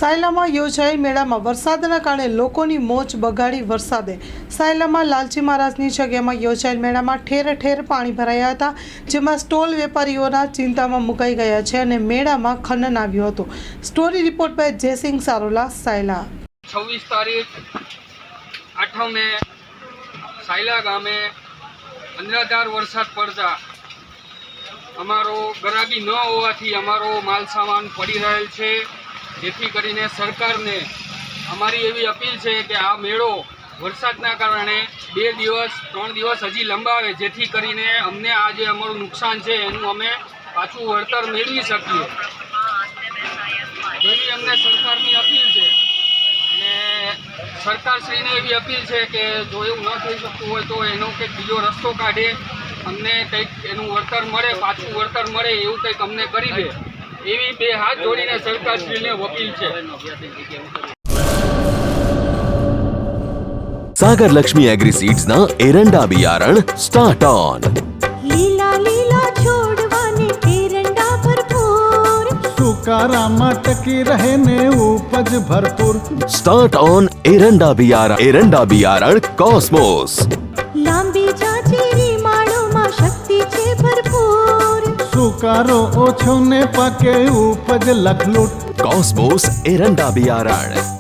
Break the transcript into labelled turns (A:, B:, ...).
A: સાયલામાં યોજાયેલ મેળામાં વરસાદના કારણે લોકોની મોજ બગાડી વરસાદે સાયલામાં લાલજી મહારાજની જગ્યામાં યોજાયેલ મેળામાં ઠેર ઠેર પાણી ભરાયા હતા, જેમાં સ્ટોલ વેપારીઓના ચિંતામાં મુકાઈ ગયા છે અને મેળામાં ખનન આવ્યું હતું। Story report by Jaysinh Sarola, Sayla.
B: 26 તારીખ 8 મે સાયલા ગામે અંધરાધાર વરસાદ પડતા અમારો ગરાગી ન હોવાથી અમારો માલ સામાન પડી રહેલ છે, જેથી કરીને સરકારને અમારી એવી અપીલ છે કે આ મેળો વરસાદના કારણે 2 દિવસ 3 દિવસ હજી લંબાવે, જેથી કરીને અમને આ જે અમારું નુકસાન છે એનું અમે પાછું વળતર મેળવી શકીએ એવી અમને સરકારની અપીલ છે। અને સરકારશ્રીને એવી અપીલ છે કે જો એવું ન થઈ શકતું હોય તો એનો કંઈક બીજો રસ્તો કાઢે, અમને કંઈક એનું વળતર મળે, પાછું વળતર મળે એવું કંઈક અમને કરી દે એવી 2 હાથ જોડીને સરકારશ્રીને અપીલ છે।
C: सागर लक्ष्मी एग्री सीड्स ना एरंडा बियारण स्टार्ट ऑन।
D: लीला लीला छोड़वाने एरंडा भरपूर,
E: सुकारामा टकी रहे ने उपज भरपूर।
C: स्टार्ट ऑन एरंडा बियारण कॉस्मोस।
D: लांबी जाचेरी माळोमां शक्ति छे भरपूर,
E: सुकारो ओछो ने पाके उपज लखलूट।
C: कॉस्मोस एरंडा बियारण।